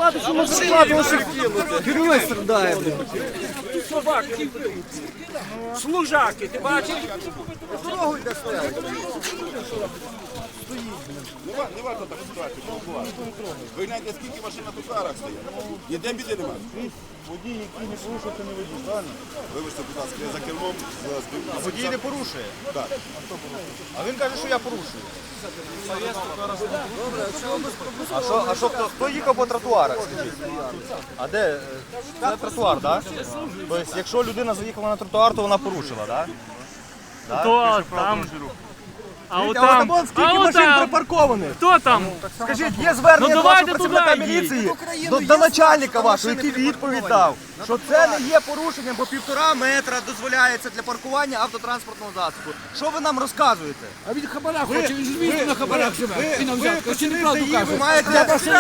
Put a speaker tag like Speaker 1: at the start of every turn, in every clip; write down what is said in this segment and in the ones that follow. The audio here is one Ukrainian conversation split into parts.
Speaker 1: влади, що ми зарплату лише герой страдає, блін.
Speaker 2: Собаки, служаки, ти бачиш?
Speaker 1: Дорогу йде стояти.
Speaker 3: Не варто так ситуацію провокувати. Ви гляньте, скільки машин на тротуарах стоїть. Ніде біди немає.
Speaker 4: Водій, який не порушує, це не водій, правильно?
Speaker 3: Вибачте, будь ласка, я за кермом.
Speaker 4: А водій не порушує.
Speaker 3: Так.
Speaker 4: А він каже, що я порушую. А що, хто їхав по тротуарах, скажіть? А де? Це тротуар, так? Тобто, якщо людина заїхала на тротуар, то вона порушила, так?
Speaker 5: Хто там? А
Speaker 1: А
Speaker 5: отам,
Speaker 1: от скільки машин припаркованих.
Speaker 5: хто там?
Speaker 4: Скажіть, є звернення
Speaker 5: Ну,
Speaker 4: до вашого
Speaker 5: давайте
Speaker 4: працівника
Speaker 5: туди
Speaker 4: міліції, до начальника вашого, який відповідь дав, що це не є порушенням, бо 1,5 метра дозволяється для паркування автотранспортного засобу. Що ви нам розказуєте?
Speaker 2: А він хабара хоче, він ж місто на хабарах живе. Він нам взятка, чи не правду
Speaker 4: Ви
Speaker 2: каже?
Speaker 4: маєте...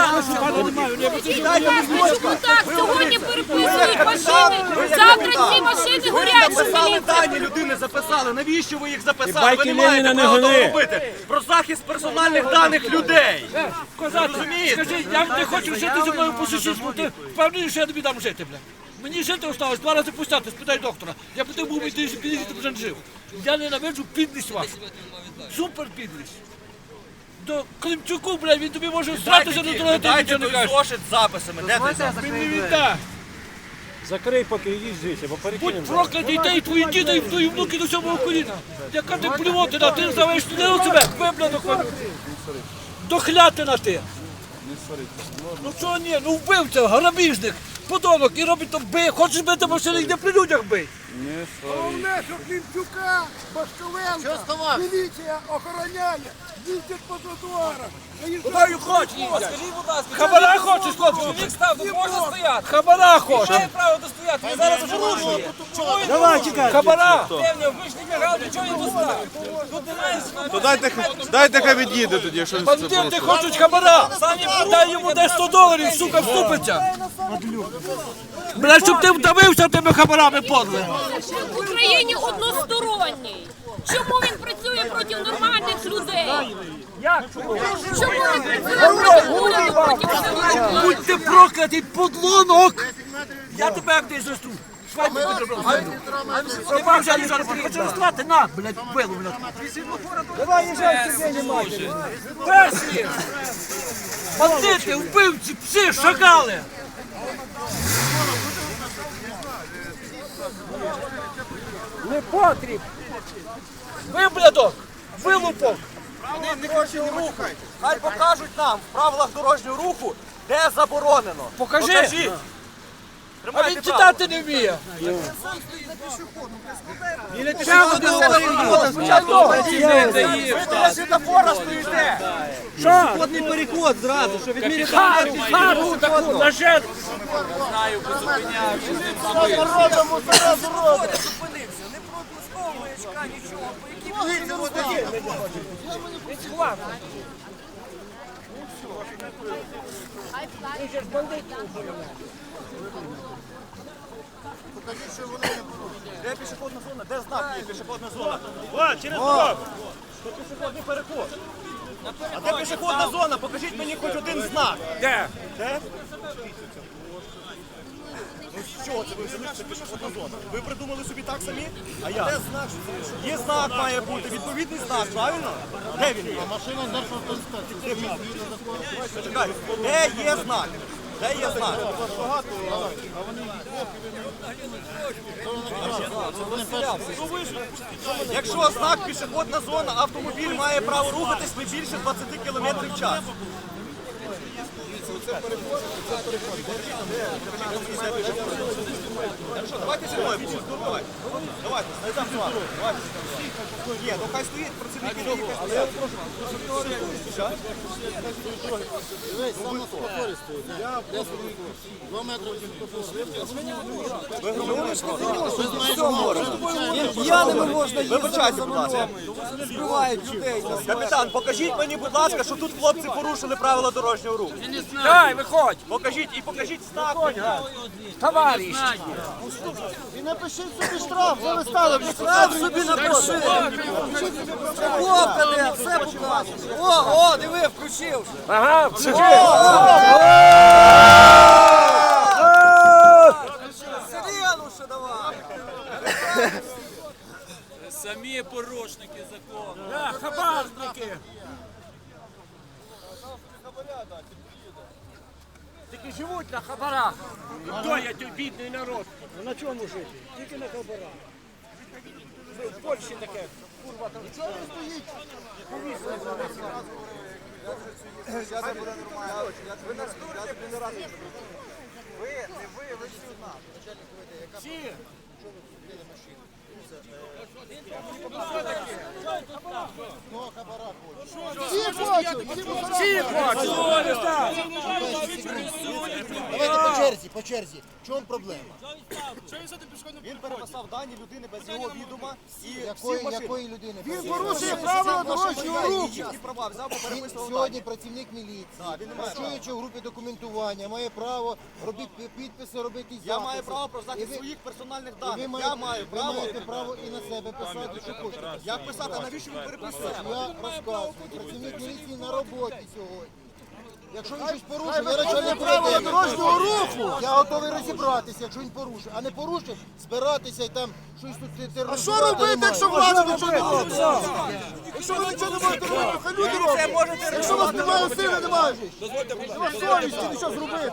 Speaker 6: Так, сьогодні переписують машини, завтра ці машини горять, що
Speaker 4: Записали
Speaker 6: міліція.
Speaker 4: дані людини, записали. Навіщо ви їх записали? Ви не
Speaker 5: Леніна
Speaker 4: маєте
Speaker 5: не
Speaker 4: права того
Speaker 5: гони.
Speaker 4: робити. Про захист персональних даних людей.
Speaker 2: Козати,
Speaker 4: Розумієте?
Speaker 2: скажи, як ти хочеш жити зі мною по сусідству, ти впевнений, що я тобі дам жити, бля? Мені жити осталось 2 рази пустяти, спитай доктора. Я б ти був підійти, вже не жив. Я ненавиджу підлість вашу. Супер підлість. До Климчуку, бля, він тобі може стратися до того, ти
Speaker 4: Дайте
Speaker 2: нічого не
Speaker 4: той
Speaker 2: кажеш.
Speaker 4: зошит з записами. Де той запис?
Speaker 2: Він не віддасть.
Speaker 5: Закрий, поки їздиш, бо перекинемо.
Speaker 2: Будь проклятий, ти і твої діти, і твої внуки до 7-го коліна. Яка ти плювотина, ти називаєш не у себе, виблядок. Дохлятина ти. Ну що ні, ну вбивця, грабіжник, подонок і робить то бий. Хочеш бити машини, йде при людях бий.
Speaker 7: Головне, що Климчука, Башковенка, міліція охороняє, їздять по тротуарах.
Speaker 2: Куди їх хочеш? Хабара хочеш, хлопці? Хабара хочеш.
Speaker 8: Має право достояти, він зараз вже рушує. Чому він
Speaker 1: Давай, чекай.
Speaker 2: Хабара.
Speaker 8: певно, ви ж не мігав, до чого він доставив? Тут немає
Speaker 3: То дайте хай від'їде тоді, якщо
Speaker 2: Бандити хочуть хабара. Дай йому десь $100, сука, вступиться. Бля, щоб ти вдавився тими хабарами, подле.
Speaker 6: В Україні односторонній. Чому він працює проти нормальних людей? Чому він працює проти уряду, проти всього?
Speaker 2: Будь ти проклятий, подлунок! Я тебе як ти зросту. Швайку підробив. Ти вам взяли зараз, хочу розстрати, на, блядь, пилу, блядь.
Speaker 1: Давай, їжджай, сьогодні немає.
Speaker 2: Перші! Бандити, вбивці, пси, шакали!
Speaker 1: Не потріб.
Speaker 2: Виблядок! Вилупок!
Speaker 4: Вони дорожнього руху. Хай покажуть нам в правилах дорожнього руху, де заборонено.
Speaker 2: Покажи.
Speaker 4: Покажіть.
Speaker 2: А
Speaker 4: Тримайте
Speaker 2: він
Speaker 4: право.
Speaker 2: читати не вміє!
Speaker 4: Ви біля світофора стоїте.
Speaker 1: Пішохідний переход зразу, що відміряти.
Speaker 2: Хату таку, на жертву!
Speaker 8: зупинився? Не пропусковує очка, нічого. По якій
Speaker 4: Де пішохідна зона? Де знак є пішохідна зона? О, через дорогу. Це пішохідний переход. А де пішохідна зона? Покажіть мені хоч один знак.
Speaker 2: Де?
Speaker 4: Де? Ну з чого це ви взяли, що це пішохідна зона? Ви придумали собі так самі? А я? Де знак? Є знак має бути, відповідний знак, правильно? Де він є? Машина державна. Почекай, де є знак? Де є знак? Якщо знак пішохідна зона, автомобіль має право рухатись не більше 20 км в час. Хорошо, давайте зі мною. Давайте, знайдемо з вами. Давайте. Ні, ну хай стоїть працівники дороги. Але я прошу. Що?
Speaker 1: П'яними можна їздити.
Speaker 4: Вибачайте, будь ласка.
Speaker 1: Збивають людей.
Speaker 4: Капітан, покажіть мені, будь ласка, що тут хлопці порушили правила дорожнього руху.
Speaker 2: Дай, виходь!
Speaker 4: Покажіть і покажіть знак.
Speaker 2: Товариш!
Speaker 7: І напишіть собі штраф, що ви стали.
Speaker 1: Штраф собі напиши. Хлопка де, все покажеш. О, диви, включив.
Speaker 2: Ага, Порушники живуть на хабарах.
Speaker 5: Хто я той бідний народ?
Speaker 2: На чому жити? Тільки на хабарах. В Польщі таке. Курва, там.
Speaker 7: Чого ви стоїть? Всі хочуть! Всі
Speaker 1: Давайте по черзі. В чому проблема?
Speaker 4: Він переписав дані людини без його відома і всі машини.
Speaker 7: Якої людини?
Speaker 1: Він порушує правила дорожнього руху.
Speaker 4: Які права взяв, бо
Speaker 7: Він
Speaker 4: переписував
Speaker 7: сьогодні
Speaker 4: дані.
Speaker 7: працівник міліції,
Speaker 4: він не має
Speaker 7: працюючи в групі документування, має право робити підписи, робити записи.
Speaker 4: Я маю право про
Speaker 7: І
Speaker 4: захист
Speaker 7: ви-
Speaker 4: своїх персональних
Speaker 7: і
Speaker 4: даних.
Speaker 7: ви
Speaker 4: Я маю
Speaker 7: ви
Speaker 4: право.
Speaker 7: маєте право і на себе писати, що хочете.
Speaker 4: Як писати, а навіщо він переписує?
Speaker 7: Я розказую, працівник міліції на роботі сьогодні. Якщо він щось порушив, я начальник правила дорожнього руху. Я готовий розібратися, якщо він порушив. А не порушив, збиратися і там щось тут тероризувати.
Speaker 1: Що робити, якщо влада нічого не робить? Якщо ви нічого не можете робити, хай люди роблять. Якщо у вас немає сили, немає ж. Нема совісті нічого зробити.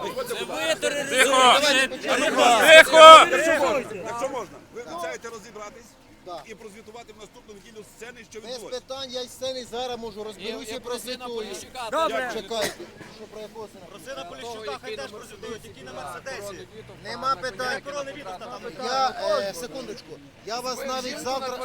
Speaker 3: Якщо можна, ви обіцяєте розібратись і прозвітувати в наступну неділю сцени, що
Speaker 7: Без
Speaker 3: відбулося.
Speaker 7: питань, я із сцени зараз можу розберуся і прозвітую.
Speaker 2: Добре.
Speaker 7: Чекайте, що про якого сина?
Speaker 4: Росина Поліщука хай теж прозвітують, які на Мерседесі.
Speaker 7: Нема питань.
Speaker 4: Коронавірус там.
Speaker 7: Секундочку, я вас навіть завтра...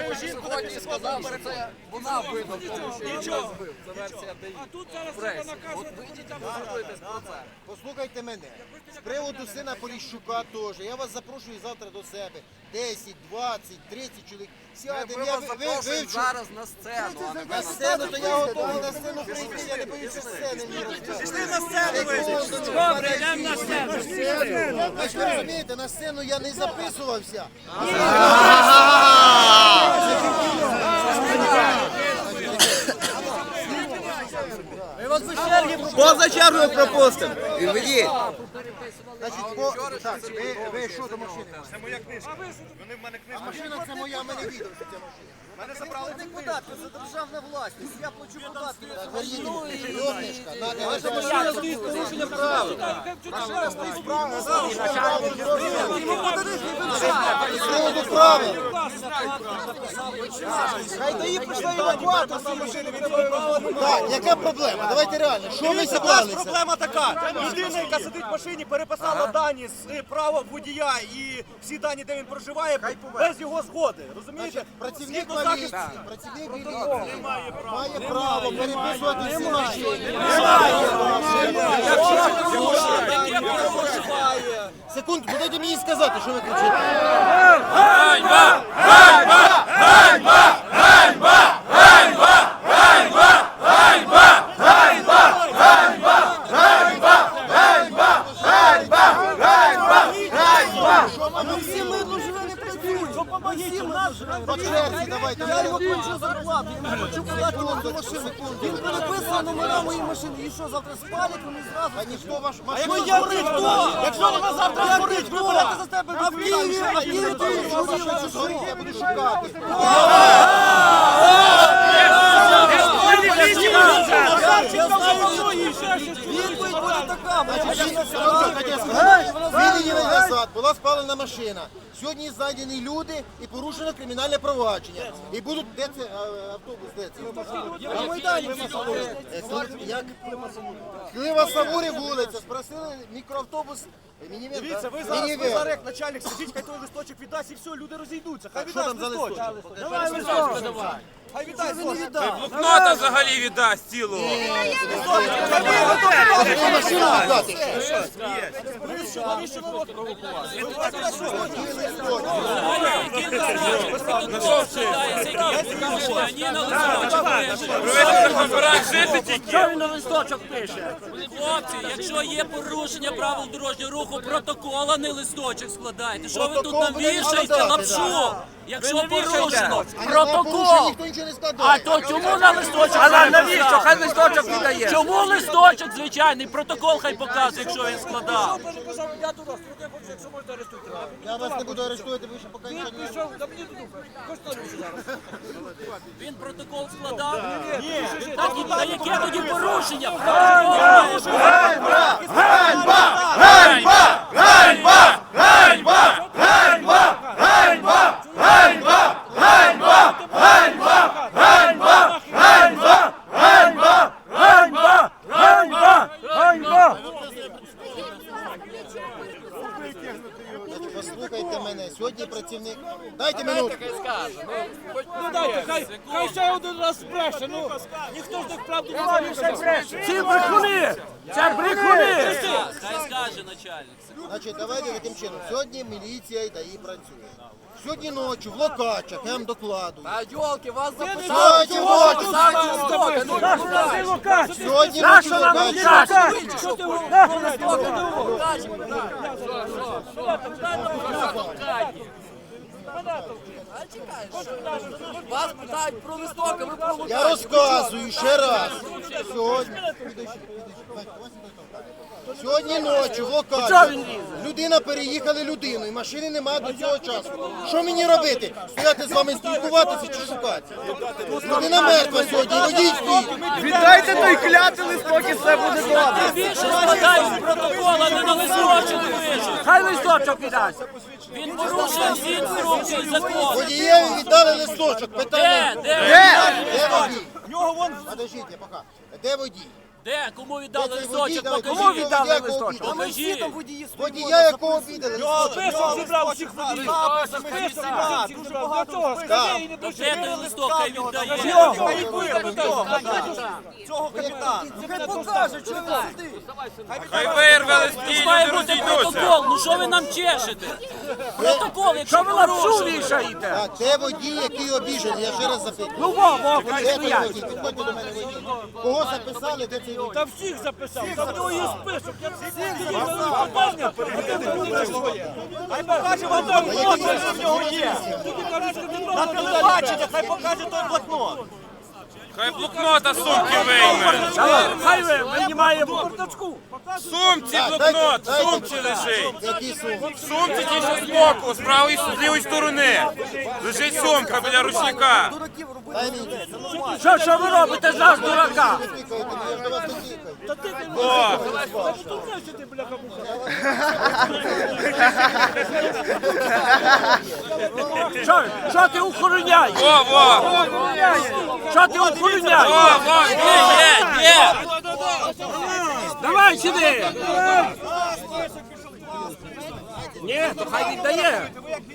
Speaker 2: А тут зараз треба наказувати.
Speaker 7: Послухайте мене. З приводу сина Поліщука теж. Я вас запрошую завтра до себе. 10, 20, 30 чоловік. Сядемо, я вивчу.
Speaker 8: зараз на сцену, а не
Speaker 7: На сцену, то я готовий на сцену прийти, я не боюся сцени. Пішли на сцену!
Speaker 2: Добре, йдемо на сцену.
Speaker 7: Ви ж розумієте, на сцену я не записувався.
Speaker 1: Поза чергою пропустимо. І ведіть.
Speaker 7: Значить, так, ви що до машини?
Speaker 4: Це моя книжка. Вони в мене книжка.
Speaker 7: Машина це моя, мене відео, що це машина.
Speaker 4: Мене забрали
Speaker 1: Не податки, це державна власність. Я плачу податки.
Speaker 7: Ви їдете, йомничка, надо
Speaker 2: Машина стоїть з порушенням правил.
Speaker 7: з приводу правил.
Speaker 1: Хай дає прийшла евакуатор з машини.
Speaker 7: Так, яка проблема? Давайте реально, що ви
Speaker 4: У нас
Speaker 7: зібралися?
Speaker 4: проблема така. Людина, яка сидить в машині, переписала дані з права водія і всі дані, де він проживає, без його згоди. Розумієте?
Speaker 7: Працівник
Speaker 4: Згідно захисту.
Speaker 7: поліції, працівник міліції має право переписувати всі машини. Секунду, дайте мені сказати, що ви кричите.
Speaker 1: Всі ми живе не працюють. Допомогіть нас.
Speaker 7: По черзі, давайте.
Speaker 1: Я йому хочу зарплату, я йому хочу подати до машини. Він переписує номера моєї машини. І що, завтра спалять, вони зразу?
Speaker 7: А ніхто ваш
Speaker 1: А
Speaker 7: машину...
Speaker 1: якщо я хто? Якщо вона завтра згорить, ви берете за тебе а в Києві, ти
Speaker 7: Що згорить, я буду шукати.
Speaker 1: Відповідь буде така.
Speaker 7: Звільнені назад була спалена машина. Сьогодні знайдені люди і порушено кримінальне провадження. І будуть, де це автобус, де це?
Speaker 1: На Майдані.
Speaker 7: Як? Клива Савурі вулиця, спросили мікроавтобус. Мінівен,
Speaker 4: Дивіться, ви
Speaker 7: так?
Speaker 4: зараз, ви
Speaker 7: Мінівен.
Speaker 4: зараз як начальник сидіть, хай той листочок віддасть і все, люди розійдуться. Хай
Speaker 7: Що
Speaker 4: віддасть
Speaker 7: там за
Speaker 4: листочок.
Speaker 7: листочок?
Speaker 4: Давай листочок. Хай віддасть листочок.
Speaker 5: Блокнота взагалі віддасть цілого.
Speaker 7: Яку машину віддати?
Speaker 4: Навіщо народ провокувати?
Speaker 2: Що він на листочок пише?
Speaker 9: Хлопці, якщо є порушення правил дорожнього руху, протокол, а не листочок складайте. Що ви тут нам вішаєте лапшу? Якщо порушено,
Speaker 7: Порушення
Speaker 9: протокол.
Speaker 7: ніхто нічого не
Speaker 2: А
Speaker 7: складає.
Speaker 2: то чому на листочок?
Speaker 9: А навіщо? Хай
Speaker 2: листочок віддає.
Speaker 9: Чому листочок звичайний? Протокол хай показує, якщо він складав.
Speaker 2: Я туди, якщо можете арестуйте.
Speaker 7: Я вас не буду арештувати, ви ще поки нічого не...
Speaker 2: Пішов, да мені туди. Хочете зараз?
Speaker 9: Він протокол складав? Так,
Speaker 2: ну,
Speaker 9: та яке тоді порушення?
Speaker 7: Ганьба! Послухайте мене, сьогодні працівник... Дайте минутку.
Speaker 2: Ну дайте, хай ще один раз бреше, ну ніхто ж так правду не може бреше. Ці брехуни! Це брехуни!
Speaker 9: Хай скаже начальник.
Speaker 7: Значить, давайте таким чином. Сьогодні міліція і ДАІ працює. Сьогодні ночі в Локачах, я вам докладую.
Speaker 8: А йолки, вас
Speaker 7: Сьогодні ночі! Сьогодні ночі в Локачах.
Speaker 2: Що ти
Speaker 8: Вас питають про листок, а ви про
Speaker 7: Я розказую ще раз. Сьогодні ночі в Локачах людина переїхали людину, і машини немає до цього часу. Що мені робити? Стояти з вами спілкуватися чи шукати? Людина мертва сьогодні, водій стоїть.
Speaker 4: Віддайте той клятий листок і все буде добре.
Speaker 9: Більше складають протокол, а не на листочок пишуть.
Speaker 2: Хай листочок віддасть.
Speaker 9: Він порушує всі інструкції закону.
Speaker 7: Водієві віддали листочок. Питання. Де водій? Подождіть, я пока. Де водій?
Speaker 9: Де? Кому віддали
Speaker 7: Де цей водій?
Speaker 9: листочок?
Speaker 7: Давай,
Speaker 9: Покажіть.
Speaker 7: кому віддали листочок?
Speaker 9: Покажіть.
Speaker 7: Водія, якого обідали листочок?
Speaker 2: Список зібрав всіх водіїв.
Speaker 9: Де той листок, хай віддає.
Speaker 4: Цього капітана.
Speaker 8: Хай покаже, що ви сидите.
Speaker 5: Хай вирве листі,
Speaker 9: Має
Speaker 5: люди
Speaker 9: бути
Speaker 5: розійдуться.
Speaker 9: протокол. Ну що ви нам чешете? Протокол, якщо ви порушили.
Speaker 7: Так, де водій, який обіжений? Я ще раз запитую.
Speaker 2: Ну, во,
Speaker 7: Де той водій? Підходьте до мене водій. Кого записали, де цей водій?
Speaker 2: та всіх записав. Там в нього є список. Я всіх записав.
Speaker 4: Хай покаже вам той блокнот, що в нього є. На телебачення, хай покаже той блокнот.
Speaker 5: Хай блокнота з сумки вийме.
Speaker 2: Хай ви винімаємо бардачку.
Speaker 5: В сумці блокнот, в сумці лежить.
Speaker 7: Який сум?
Speaker 5: В сумці ті, що збоку, з правої, з лівої сторони. Лежить сумка біля ручника.
Speaker 7: Дай мені.
Speaker 2: Що ви робите з нас, дурака?
Speaker 7: Не тикайте, я ж до вас не тикаю.
Speaker 2: Та ти не
Speaker 5: О,
Speaker 2: знаєш, ти, бляха-муха. Що ти охороняєш?
Speaker 5: во, во.
Speaker 2: Що ти охороняєш?
Speaker 5: Во, во,
Speaker 9: Є.
Speaker 2: Давай сюди! Ні, то хай віддає.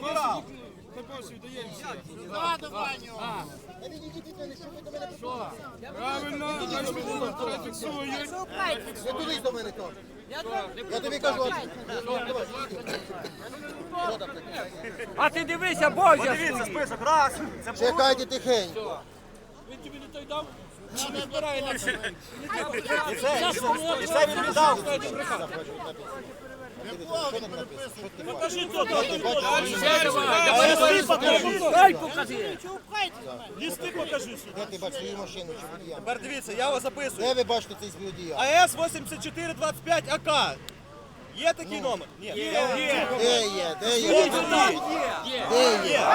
Speaker 7: Не туди до мене кажу. Я тобі кажу.
Speaker 2: А ти дивися, Бозя!
Speaker 4: Дивіться, список, раз. Це
Speaker 7: Чекайте тихенько.
Speaker 2: Він тобі не той дав?
Speaker 4: і це він віддав.
Speaker 2: Покажи тут! Дай покажи! Лісти покажи!
Speaker 7: Де ти бачиш свою машину чи водія?
Speaker 4: Тепер дивіться, я вас записую.
Speaker 7: Де ви бачите цей водія?
Speaker 4: АЕС 8425 АК. Є такий номер? Ні.
Speaker 7: Де є? Де є? Де є?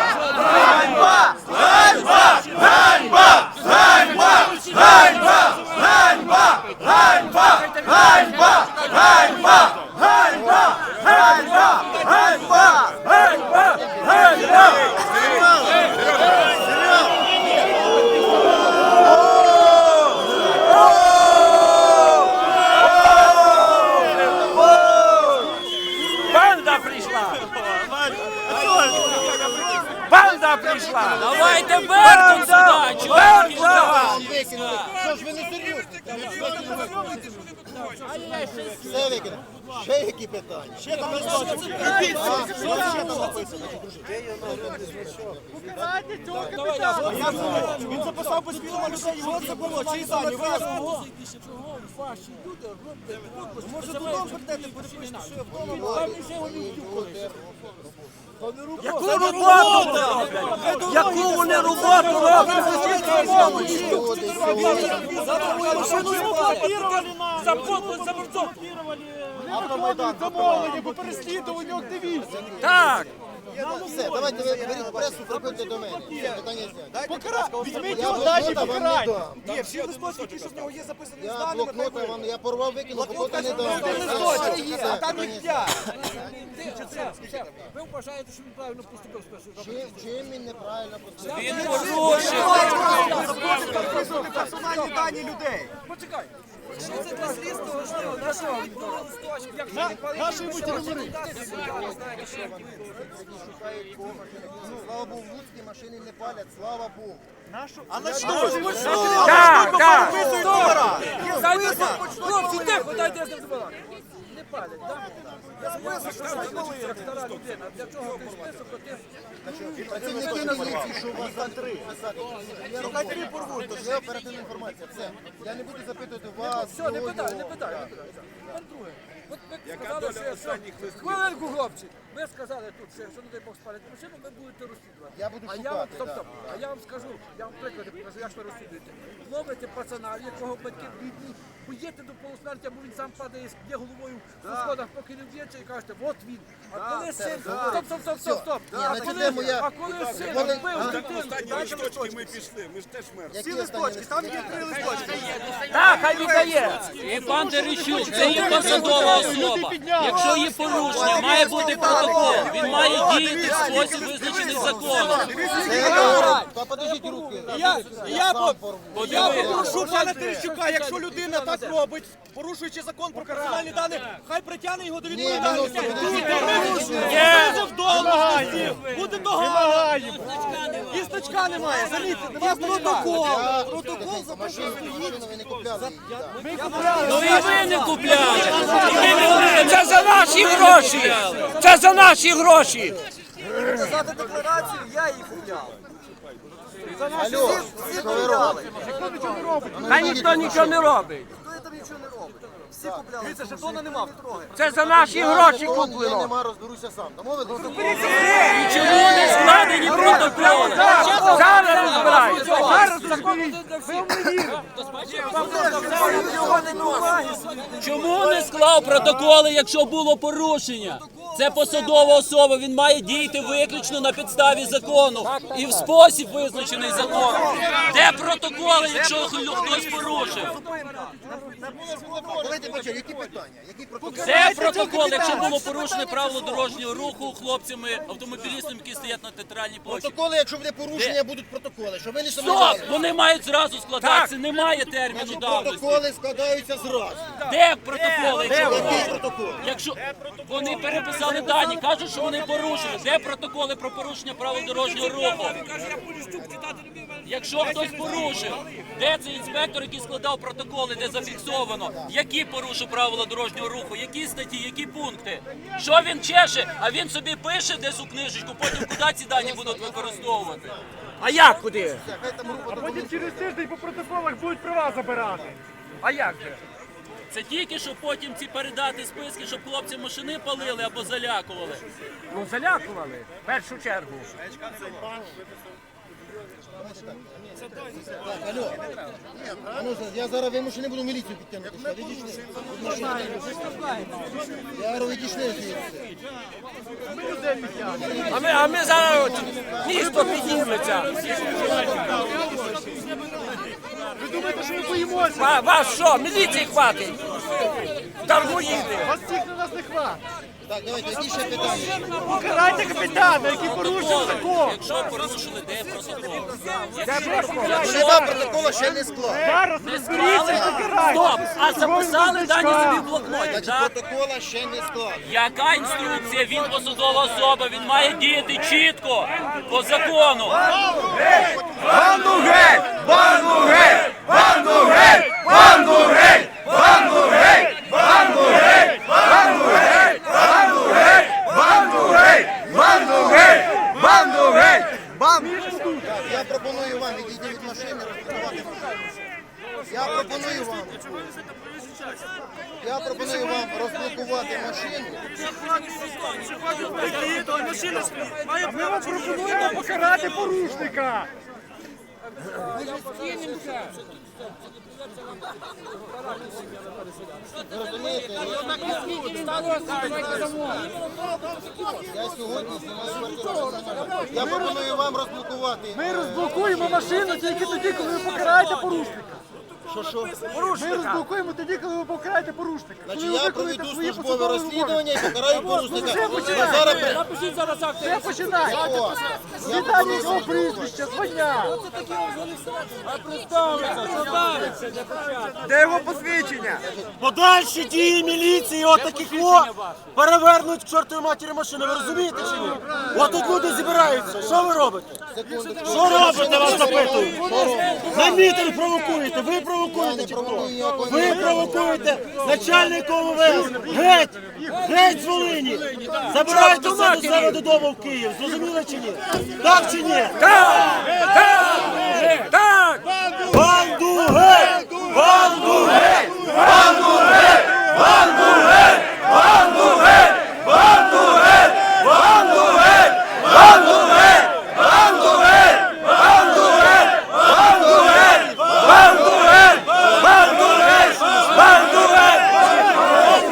Speaker 2: Банда прийшла! Банда прийшла!
Speaker 9: Давайте Беркут сюди. Чого ви
Speaker 7: Вам викинули. Що ж ви не серйозні? Все викинули. Ще які питання?
Speaker 4: Ще там листочок. Він записав без фільму людей. Що це було? Чиї дані? Виразно. Може додому прийдете, перепишете, що я вдома.
Speaker 2: Яку роботу роблять? Яку вони роботу роблять? За подпис, за борцом.
Speaker 4: По переслідуванню активістів.
Speaker 2: Так.
Speaker 7: Все, давайте ви беріть пресу, приходьте до мене. Все, питання зняті.
Speaker 4: Візьміть
Speaker 7: Я
Speaker 4: його, дайте
Speaker 7: блокнота вам не
Speaker 4: покарання.
Speaker 7: дам.
Speaker 4: Ні, всі листочки, ті, що в нього є записані з
Speaker 7: Я
Speaker 4: даними,
Speaker 7: блокнота вам, я порвав, викинув, блокнота не дам.
Speaker 4: листочки є, а там їх
Speaker 7: Питання
Speaker 4: 5.
Speaker 2: Все. Ви вважаєте, що він правильно поступив з першого?
Speaker 7: Чим він неправильно поступив?
Speaker 9: Він порушив.
Speaker 4: Записувати персональні дані людей.
Speaker 2: Почекай.
Speaker 8: Що це для слідства важливо? На що?
Speaker 4: Наші йому телефони.
Speaker 7: Слава Богу, в Луцькій машини не палять, слава Богу.
Speaker 4: А на що ж?
Speaker 2: Так, так.
Speaker 4: Виписують номера.
Speaker 2: Хлопці, тихо, дайте я з ним збирати. Не палять, так? Як стара людина. Для чого ти список, то ти...
Speaker 7: Працівники міліції, що у вас за три писати. Я роблю порву, то є оперативна інформація. Все. Я не буду запитувати вас.
Speaker 2: Все, не питай, не питай. Тепер друге. От ви сказали, що... Хвилинку, хлопці. Ви сказали тут, що якщо, не дай Бог, спалять машину, ви будете розслідувати.
Speaker 7: Я буду
Speaker 2: А я
Speaker 7: шукати,
Speaker 2: вам, стоп,
Speaker 7: да.
Speaker 2: стоп. А я вам скажу, я вам приклади покажу, як ви розслідуєте. Ловите пацана, в якого батьки бідні, поїдете до полусмерті, або він сам падає, є головою на сходах, поки не вдіється, і кажете, от він. А коли син... Стоп.
Speaker 7: Ні, на цю тему я...
Speaker 2: А коли син
Speaker 7: Коли-
Speaker 2: вбив дитину,
Speaker 3: Останні листочки ми пішли, ми ж теж мертві.
Speaker 7: Які
Speaker 4: Ці листочки, там є 3 листочки.
Speaker 2: Так, хай віддає.
Speaker 9: І пан Терещук, це є посадова особа. Якщо є порушення, має бути протокол. Він має діяти в спосіб визначений законом.
Speaker 7: Та подождіть руки.
Speaker 4: Я попрошу пана Терещука, якщо людина так робить, порушуючи закон про персональні дані, хай притягне його до відповідальності. Визов должності, буде догана. І значка немає, замітьте, немає протокол.
Speaker 7: Протокол за машину ви не купляли.
Speaker 9: Ну і ви не купляли. І ви не купляли.
Speaker 2: Це за наші гроші! Це за наші гроші!
Speaker 8: Показати декларацію, я її купляв.
Speaker 7: Алло, що ви робите?
Speaker 2: Та ніхто нічого не робить.
Speaker 8: Хто там нічого не робить? Всі купляли.
Speaker 4: Дивіться, жетона нема.
Speaker 2: Це за наші гроші
Speaker 7: Я
Speaker 2: куплено.
Speaker 7: нема, розберуся сам. Домовились?
Speaker 9: І чому не складені протоколи?
Speaker 2: Зараз розбирають. Зараз закон ви не вірите.
Speaker 9: Чому не склав протоколи, якщо було порушення? Це посадова особа, він має діяти виключно на підставі закону і в спосіб визначений законом. Де протоколи, якщо хтось порушив?
Speaker 7: Давайте почали, які питання? Які протоколи?
Speaker 9: Де протокол, якщо було порушене правило дорожнього руху хлопцями, автомобілістами, які стоять на театральній площі?
Speaker 7: Протоколи, якщо буде порушення, будуть протоколи. Щоб ви не
Speaker 9: Стоп!
Speaker 7: сумнівалися.
Speaker 9: Вони мають зразу складатися, немає терміну
Speaker 7: Значить,
Speaker 9: давності.
Speaker 7: протоколи складаються зразу.
Speaker 9: Де протоколи?
Speaker 7: Який протокол?
Speaker 9: Якщо вони переписали дані, кажуть, що вони порушили. Де протоколи про порушення правил дорожнього руху? Якщо хтось порушив, де цей інспектор, який складав протоколи, де зафіксовано, які порушив правила дорожнього руху, які статті, які пункти? Що він чеше? А він собі пише десь у книжечку, потім куди ці дані будуть використовувати?
Speaker 2: А як куди?
Speaker 7: Хай там група
Speaker 4: Потім через тиждень по протоколах будуть права забирати.
Speaker 2: А як же?
Speaker 9: Це тільки, щоб потім ці передати списки, щоб хлопці машини палили або залякували.
Speaker 2: Ну залякували, в першу чергу.
Speaker 7: Алло. А ну, я зараз вимушений буду міліцію підтягнути. Відійшли. Я говорю, відійшли звідси.
Speaker 2: А ми зараз місто підніметься.
Speaker 4: Ви думаєте, що ми боїмося?
Speaker 2: Вас що, міліції хватить? Дармоїди.
Speaker 4: Вас всіх на нас не хватить.
Speaker 7: Так, давайте, які ще питання?
Speaker 4: Покарайте капітана, який порушив закон.
Speaker 9: Якщо порушили, де протокол?
Speaker 7: Голова протоколу ще не склав.
Speaker 4: Зараз розберіться і покарайте.
Speaker 9: Стоп! А записали дані собі в блокноті,
Speaker 7: Значить,
Speaker 9: так?
Speaker 7: протокола ще не склав.
Speaker 9: Яка інструкція? Він посадова особа, він має діяти чітко, по закону.
Speaker 1: Банду геть! Банду геть! Банду геть! Банду геть! Банду геть! Банду геть! Банду геть! Банду геть! Банду геть! Банду геть! Банду геть!
Speaker 7: Так, я пропоную вам відійти від машини, розблокувати машину. Я пропоную вам розблокувати машину.
Speaker 4: Ми вам пропонуємо покарати порушника.
Speaker 7: Ви розумієте? Я сьогодні знімаю квартиру. Я пропоную вам розблокувати.
Speaker 4: Ми розблокуємо машину тільки тоді, коли ви покараєте порушника.
Speaker 7: Що?
Speaker 4: Ми розблокуємо тоді, коли ви покараєте порушника.
Speaker 7: Значить, я проведу службове розслідування і покараю порушника. А зараз
Speaker 2: Напишіть зараз акт.
Speaker 4: Все починає. Віддання його прізвища, звання.
Speaker 1: Де його посвідчення?
Speaker 4: Подальші дії міліції отаких перевернуть к чортовій матері машини. Ви розумієте чи ні? От тут люди зібраються. Що ви робите? Що робите, вас запитують? На мітинг провокуєте. Ви провокуєте чи хто? Ви провокуєте начальника ОМВС. Геть! Геть з Волині! Забирайте все до себе додому в Київ. Зрозуміли чи ні? Так чи ні?
Speaker 1: Так!
Speaker 4: Банду геть! Банду геть!
Speaker 1: Банду геть! Банду геть! Банду геть! Банду геть! Банду геть! Банду геть! Банду геть! Банду геть! Банду геть! Банду геть! Банду геть! Банду геть!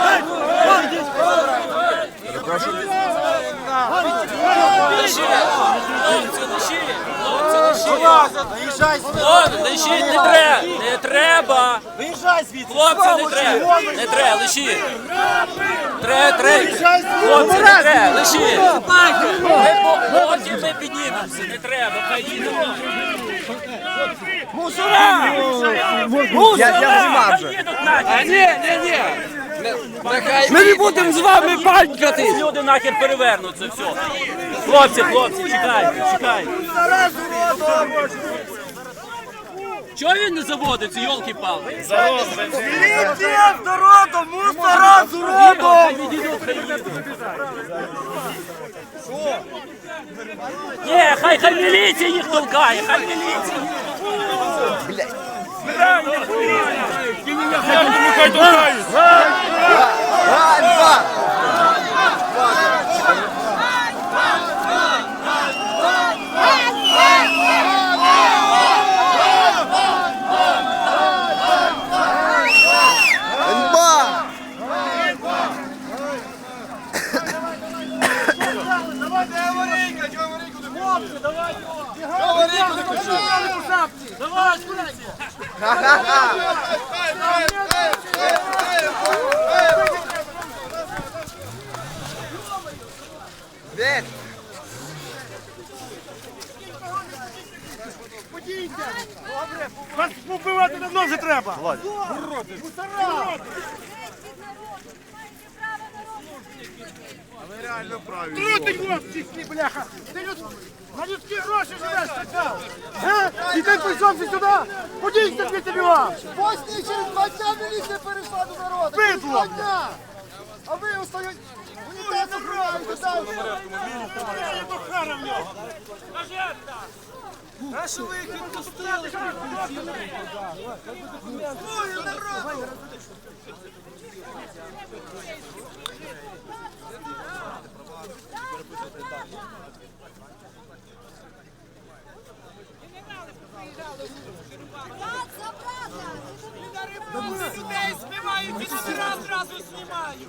Speaker 9: Лишіть, не треба.
Speaker 4: Виїжджай звідси!
Speaker 9: Хлопці, не треба, лишіть. Хлопці, не треба, лишіть. Потім ми піднімемося, не треба, хай їдемо.
Speaker 1: Я знімав вже.
Speaker 9: Їдуть нахер.
Speaker 2: Ні.
Speaker 9: Ми не будемо з вами банькати. Люди нахер перевернуться, все. Хлопці, чекайте. Чого він не заводиться, йолки-палки?
Speaker 4: Міліція з народом! Мусора з уродом!
Speaker 9: Хай відійдуть, хай їдуть. Ні, хай міліція їх толкає, хай міліція їх.
Speaker 1: Ганьба! Ганьба! Де?
Speaker 4: Вас побивати давно вже треба! Трути хлопці, бляха! Ти на людські гроші живеш, така! І ти прийшовся сюди! Подійся звідти бігом!
Speaker 7: Босні через 2 дня міліція перейшла до народу. Через 2 дня. А ви остають унітазом граєте далі.
Speaker 4: А що ви їх відпустили?
Speaker 8: Людей збивають і зразу знімають.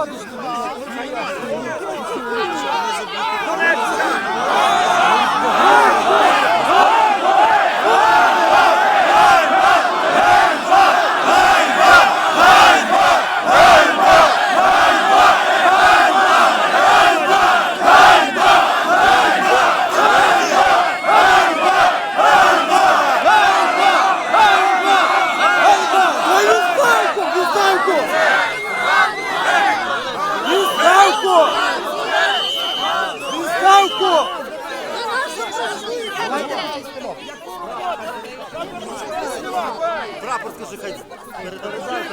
Speaker 4: Прапор скажи, хай передорізають.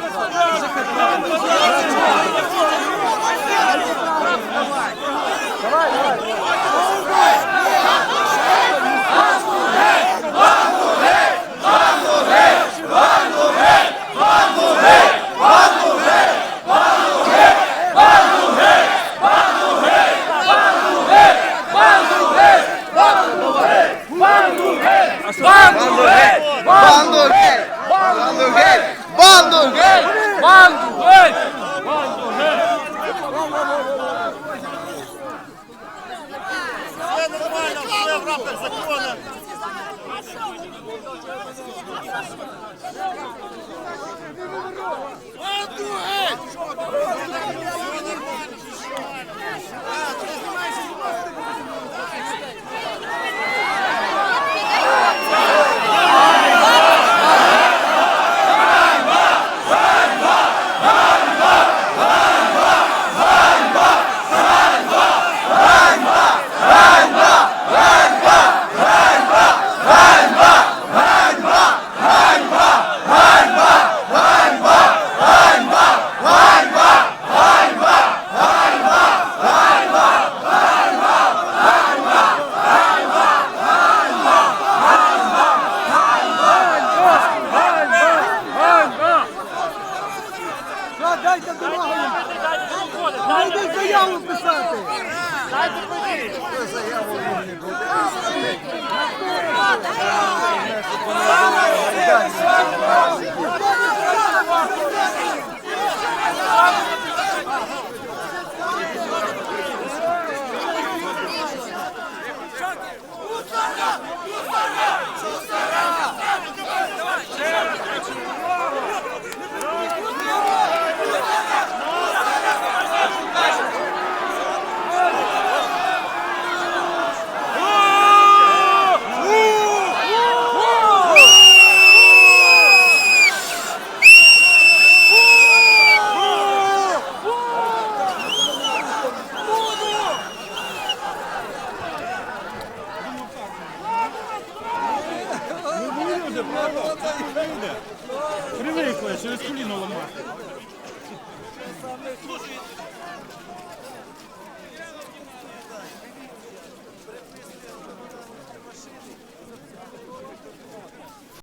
Speaker 1: Банду геть! Банду геть! Банду геть! Банду геть!
Speaker 2: Банду геть!
Speaker 4: Все нормально, все в рамках закону.
Speaker 7: Дайте дорогу! Дайте заяву писати!
Speaker 4: Привикли, через коліно ламати.